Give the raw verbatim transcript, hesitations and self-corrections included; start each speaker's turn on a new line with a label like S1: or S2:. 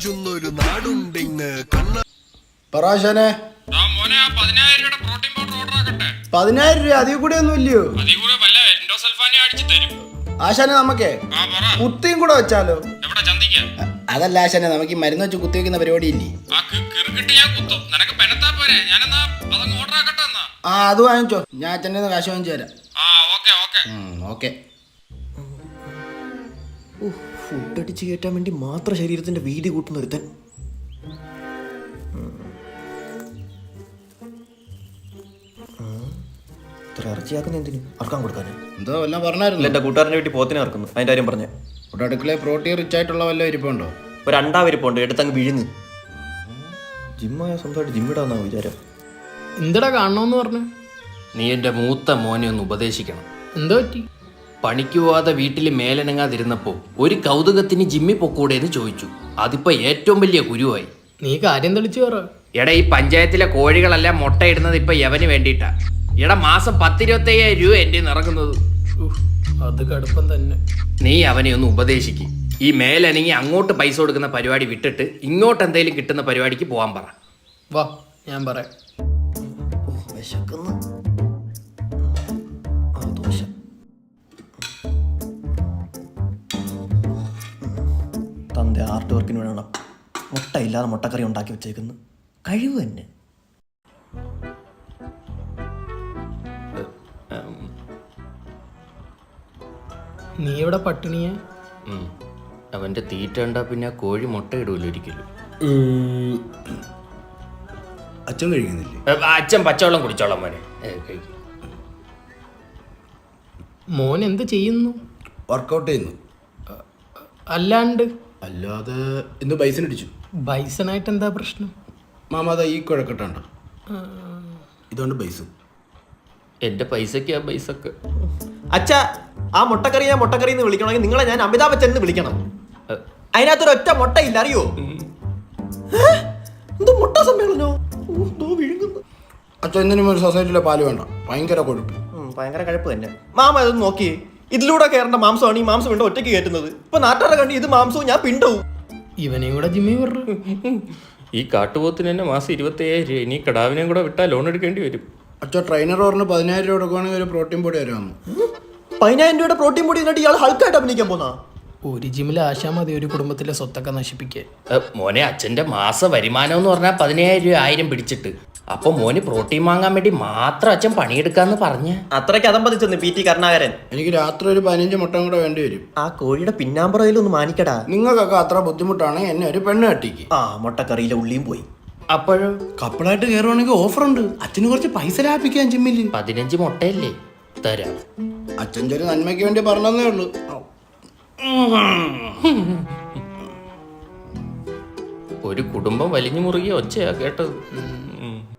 S1: കൊഞ്ചുന്നൊരു നാടുണ്ടിങ് കണ്ണ
S2: പറാശനെ പതിനായിരം രൂപ അതിൽ കൂടെ ഒന്നും ഇല്ലയോ? ആശാനെ നമുക്കേ കുത്തിയും കൂടെ വെച്ചാലോ? അതല്ല ആശാനെ, നമുക്ക് ഈ മരുന്ന് വെച്ച് കുത്തി വെക്കുന്ന പരിപാടി ഇല്ലേ? ആ അത് വാങ്ങിച്ചോ, ഞാൻ അച്ഛൻ്റെ കാശ് വാങ്ങിച്ചു തരാം. ഓക്കെ.
S3: ഫുഡ് അടിച്ച് കയറ്റാൻ വേണ്ടി മാത്രം ശരീരത്തിന്റെ വീതി കൂട്ടുന്ന ഒരുത്തൻ. ഇത്ര ഇറച്ചിയാക്കുന്ന എന്തിനു? അറക്കാൻ കൊടുക്കാന്
S2: എന്തോ എല്ലാം പറഞ്ഞായിരുന്നു.
S3: എന്റെ കൂട്ടുകാരന്റെ വീട്ടിൽ പോത്തിനെ ഇറക്കുന്നു, അതിന്റെ കാര്യം പറഞ്ഞേ.
S2: ഇവിടെ അടുക്കളയിൽ പ്രോട്ടീൻ റിച്ച് ആയിട്ടുള്ള വല്ല ഇരിപ്പുണ്ടോ?
S3: ഒരു അണ്ടാ വരിപ്പുണ്ട്, എടുത്തങ്ങ് വിഴുങ്ങ്. ജിമ്മായ സ്വന്തമായിട്ട് ജിമ്മിടാന്നാ വിചാരം.
S4: എന്തടാ കാണണമെന്ന് പറഞ്ഞു?
S5: നീ എൻ്റെ മൂത്ത മോനെ ഒന്ന് ഉപദേശിക്കണം.
S4: എന്തോ പറ്റി?
S5: പണിക്ക് പോവാതെ വീട്ടിൽ മേലനങ്ങാതിരുന്നപ്പോൾ ഒരു കൗതുകത്തിന് ജിമ്മി പൊക്കൂടെ എന്ന് ചോദിച്ചു. അതിപ്പോ ഏറ്റവും വലിയ കുരുവായി.
S4: നീ കാര്യം തെളിച്ചു പറ.
S5: എടാ, ഈ പഞ്ചായത്തിലെ കോഴികളെല്ലാം മുട്ടയിടുന്നത് ഇപ്പൊ യവന് വേണ്ടിയിട്ടാ. എടാ, മാസം പത്തിരുപത്തയ്യായിരം രൂപ എൻ്റെ ഇറങ്ങുന്നത്.
S4: അത് കടുപ്പം തന്നെ.
S5: നീ അവനെ ഒന്ന് ഉപദേശിക്കും. ഈ മേലനങ്ങി അങ്ങോട്ട് പൈസ കൊടുക്കുന്ന പരിപാടി വിട്ടിട്ട് ഇങ്ങോട്ട് എന്തെങ്കിലും കിട്ടുന്ന പരിപാടിക്ക് പോകാൻ പറ.
S4: വാ, ഞാൻ പറയാം.
S3: തന്റെ ആർട്ട് വർക്കിന് വേണം മുട്ട ഇല്ലാതെ മുട്ടക്കറി ഉണ്ടാക്കി വെച്ചേക്കുന്നു. കഴിവ് തന്നെ.
S4: നീ ഇവിടെ പട്ടിണിയാ?
S5: അവന്റെ തീറ്റ ഉണ്ടാ പിന്നെ കോഴി മുട്ട ഇടൂല്ലോ ഒരിക്കലും.
S2: അച്ഛൻ കഴിക്കുന്നില്ലേ?
S5: അച്ഛൻ പച്ചവെള്ളം കുടിച്ചോളാം മോനെ.
S4: മോൻ എന്ത് ചെയ്യുന്നു?
S2: വർക്കൗട്ട് ചെയ്യുന്നു.
S4: അല്ലാണ്ട്
S2: അല്ലാതെ ഇന്ന് ബൈസൺ അടിച്ചു.
S4: ബൈസണായിട്ട് എന്താ പ്രശ്നം?
S2: മാമാത ഈ കുഴക്കട്ടുണ്ടോ? ഇതുകൊണ്ട് ബൈസ്.
S5: എന്റെ പൈസക്ക് ആ പൈസക്ക്.
S3: അച്ഛാ, ആ മുട്ടക്കറി ഞാൻ മുട്ടക്കറി എന്ന് വിളിക്കണമെങ്കിൽ നിങ്ങളെ ഞാൻ അമിതാഭ് ബച്ചൻ എന്ന് വിളിക്കണം. അതിനകത്തൊരു ഒറ്റ മുട്ടയില്ല, അറിയോ? എന്തോ മുട്ട സമ്മേളനോ?
S2: അച്ഛൻ എന്തിനും ഒരു സൊസൈറ്റിയിലെ പാല് വേണ്ട, ഭയങ്കര കൊഴുപ്പ്.
S3: ഭയങ്കര കഴപ്പ് തന്നെ. മാമ ഇതൊന്ന് നോക്കിയേ, ഇതിലൂടെ കയറേണ്ട മാംസമാണ് ഈ മാംസം കൊണ്ട് ഒറ്റയ്ക്ക് കയറ്റുന്നത്. ഇപ്പൊ നാട്ടുകാരെ കണ്ടി ഇത് മാംസവും ഞാൻ പിണ്ടവും.
S4: ഇവനെയും കൂടെ ജിമ്മി പറഞ്ഞു.
S5: ഈ കാട്ടുപോത്തിന് തന്നെ മാസം ഇരുപത്തയ്യായിരം രൂപ. ഇനി കടാവിനെയും കൂടെ വിട്ടാൽ ലോൺ എടുക്കേണ്ടി വരും.
S2: അച്ഛൻ ട്രെയിനർ പറഞ്ഞ് പതിനായിരം രൂപ കൊടുക്കുവാണെങ്കിൽ ഒരു പ്രോട്ടീൻ പൊടി വരാമെന്ന്.
S3: പതിനായിരം രൂപയുടെ പ്രോട്ടീൻ പൊടി എന്നിട്ട് ഇയാൾ ഹൾക്കായിട്ട് അഭിനയിക്കാൻ പോന്നാ?
S4: ഒരു ജിമ്മിൽ ആശാ മതി ഒരു കുടുംബത്തിലെ സ്വത്തൊക്കെ നശിപ്പിക്കാൻ.
S5: മോനെ, അച്ഛന്റെ മാസ വരുമാനം എന്ന് പറഞ്ഞാൽ പതിനായിരം രൂപ ആയിരം പിടിച്ചിട്ട്. അപ്പൊ മോന് പ്രോട്ടീൻ വാങ്ങാൻ വേണ്ടി മാത്രം അച്ഛൻ പണിയെടുക്കാന്ന് പറഞ്ഞ
S3: അത്രയ്ക്ക് അതമ്പതിച്ചെന്ന് പി ടി കരുണാകരൻ.
S2: എനിക്ക് രാത്രി ഒരു പതിനഞ്ച് മുട്ട കൂടെ വേണ്ടി വരും.
S3: ആ കോഴിയുടെ പിന്നാമ്പുറയിലൊന്ന് മാനിക്കടാ.
S2: നിങ്ങൾക്കൊക്കെ അത്ര ബുദ്ധിമുട്ടാണെങ്കിൽ എന്നെ ഒരു പെണ്ണ് കെട്ടിക്ക്.
S3: ആ മുട്ടക്കറിയിലെ ഉള്ളിയും പോയി.
S5: അപ്പോഴോ
S2: കപ്പിളായിട്ട് കയറുവാണെങ്കിൽ ഓഫർ ഉണ്ട്. അച്ഛന് കുറച്ച് പൈസ ലാഭിക്കാൻ ജിമ്മില്.
S5: പതിനഞ്ച് മുട്ടയല്ലേ തരാം.
S2: അച്ഛൻ ചെറിയ നന്മയ്ക്ക് വേണ്ടി പറഞ്ഞതേ ഉള്ളൂ.
S5: ഒരു കുടുംബം വലിഞ്ഞു മുറുകിയ ഒച്ചയാ കേട്ടത്.